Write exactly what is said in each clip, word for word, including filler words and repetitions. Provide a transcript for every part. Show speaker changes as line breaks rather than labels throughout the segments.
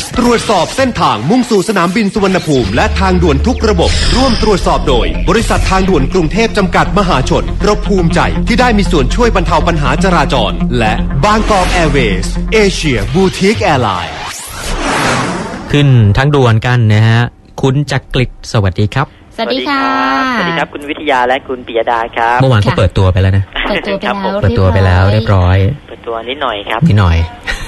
ตรวจสอบเส้นทางมุ่งสู่สนามบินสุวรรณภูมิและทางด่วนทุกระบบร่วมตรวจสอบโดยบริษัททางด่วนกรุงเทพจำกัดมหาชนเราภูมิใจที่ได้มีส่วนช่วยบรรเทาปัญหาจราจรและบางกอกแอร์เวย์สเอเชียบูติกแอร์ไลน์
ขึ้นทางด่วนกันนะฮะคุณจักริดสวัสดีครับ
สวัสดีค่ะสวัสดีครับคุณวิทยาและคุณปิยดาครับ
เมื่อวานเขาเปิดตัวไปแล้วนะ
เปิดตัวไปแล้ว
เปิดตัวไปแล้วเรียบร้อย
เปิดตัวนิดหน่อยครับ
นิดหน่อย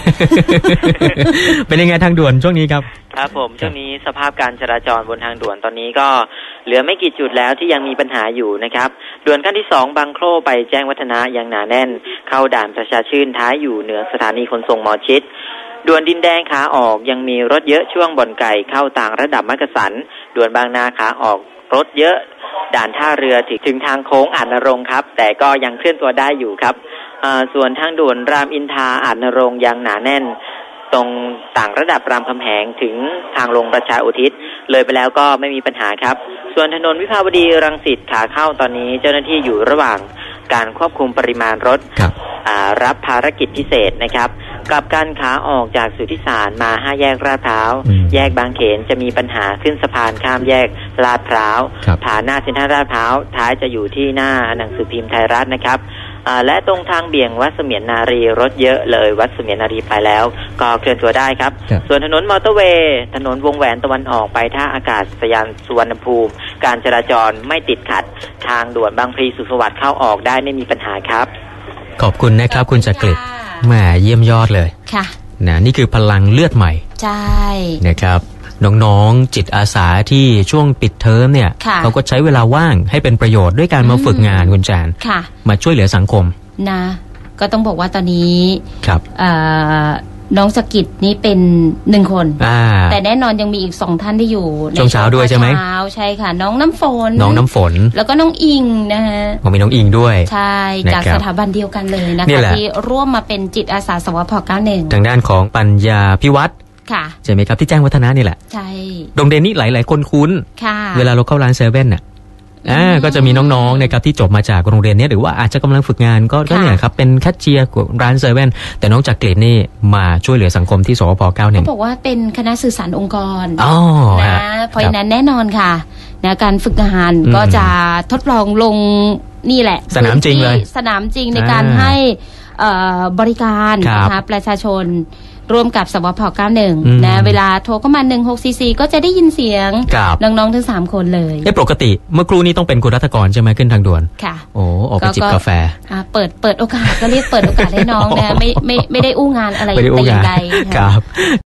เป็นยังไงทางด่วนช่วงนี้ครับ
ครับผมช่วงนี้สภาพการจราจรบนทางด่วนตอนนี้ก็เหลือไม่กี่จุดแล้วที่ยังมีปัญหาอยู่นะครับด่วนขั้นที่สองบางโคร่ไปแจ้งวัฒนะยังหนาแน่นเข้าด่านประชาชื่นท้ายอยู่เหนือสถานีขนส่งหมอชิตด่วนดินแดงขาออกยังมีรถเยอะช่วงบ่อนไก่เข้าต่างระดับมักกะสันด่วนบางนาขาออกรถเยอะด่านท่าเรือถึงถึงทางโค้งอาจนรงค์ครับแต่ก็ยังเคลื่อนตัวได้อยู่ครับส่วนทางด่วนรามอินทราอาจนรงค์ยังหนาแน่นตรงต่างระดับรามคำแหงถึงทางลงประชาอุทิศเลยไปแล้วก็ไม่มีปัญหาครับส่วนถนนวิภาวดีรังสิตขาเข้าตอนนี้เจ้าหน้าที่อยู่ระหว่างการควบคุมปริมาณรถ
ร
รับภารกิจพิเศษนะครับกับการขาออกจากสุทธิสารมาห้าแยกลาดพร้าวแยกบางเขนจะมีปัญหาขึ้นสะพานข้ามแยกลาดพร้าวผ่านหน้าเซ็นทรัลลาดพร้าวท้ายจะอยู่ที่หน้าหนังสือพิมพ์ไทยรัฐนะครับและตรงทางเบี่ยงวัดเสมียนนารีรถเยอะเลยวัดเสมียนนารีไปแล้วก็เคลื่อนตัวได้ครับส่วนถนนมอเตอร์เวย์ถนนวงแหวนตะวันออกไปท่าอากาศยานสุวรรณภูมิการจราจรไม่ติดขัดทางด่วนบางพลีสุขสวัสดิ์เข้าออกได้ไม่มีปัญหาครับ
ขอบคุณนะครับคุณจักริดแหมเยี่ยมยอดเลย
ค่ะ
นะนี่คือพลังเลือดใหม่
ใช่
นะครับน้องๆจิตอาสาที่ช่วงปิดเทอมเนี่ยเขาก็ใช้เวลาว่างให้เป็นประโยชน์ด้วยการมาฝึกงานคุณแจนมาช่วยเหลือสังคม
นะก็ต้องบอกว่าตอนนี้
ครับ
น้องสกิดนี่เป็นหนึ่งคนแต่แน่นอนยังมีอีกสองท่านที่อยู่
ในช่วงเช้าด้วยใช่ไหม
เช้าใช่ค่ะน้องน้ำฝน
น้องน้ำฝน
แล้วก็น้องอิงนะฮะ
มีน้องอิงด้วย
ใช่จากสถาบันเดียวกันเลยนะคะที่ร่วมมาเป็นจิตอาสาสวพเก้าสิบเอ็ด
ทางด้านของปัญญาพิวัตร
ค่ะ
ใช่ไหมครับที่แจ้งวัฒนะนี่แหละ
ใช่
โรงเรียนนี้หลายๆคนคุ้นเวลาเราเข้าร้านเซเว่นน่ะอ่าก็จะมีน้องๆนะครับที่จบมาจากโรงเรียนนี้หรือว่าอาจจะกำลังฝึกงานก็ก็เนี่ยครับเป็นแคชเชียร์ร้านเซเว่นแต่น้องจักริดนี่มาช่วยเหลือสังคมที่สวพเก้าสิบเอ็ด
เขาบอกว่าเป็นคณะสื่อสารองค์กร
อ๋อ
นะเพราะฉะนั้นแน่นอนค่ะนะการฝึกงานก็จะทดลองลงนี่แหละ
สนามจริงเลย
สนามจริงในการให้บริการนะคะประชาชนร่วมกับสวพเก้าสิบเอ็ดนะเวลาโทรเข้ามาหนึ่งหกสี่สี่ก็จะได้ยินเสียงน้องๆทั้งสามคนเลย
เอ้ปกติเมื่อครู่นี้ต้องเป็นคุณรัตกรใช่ไหมขึ้นทางด่วน
ค่ะ
โอ้ออกไปจิบกาแฟ
เปิดเปิดโอกาสก็เรียกเปิดโอกาสให้น้องนะไม่ไม่ไม่ได้อู้งานอะไรแต่อย่างใด
ครับ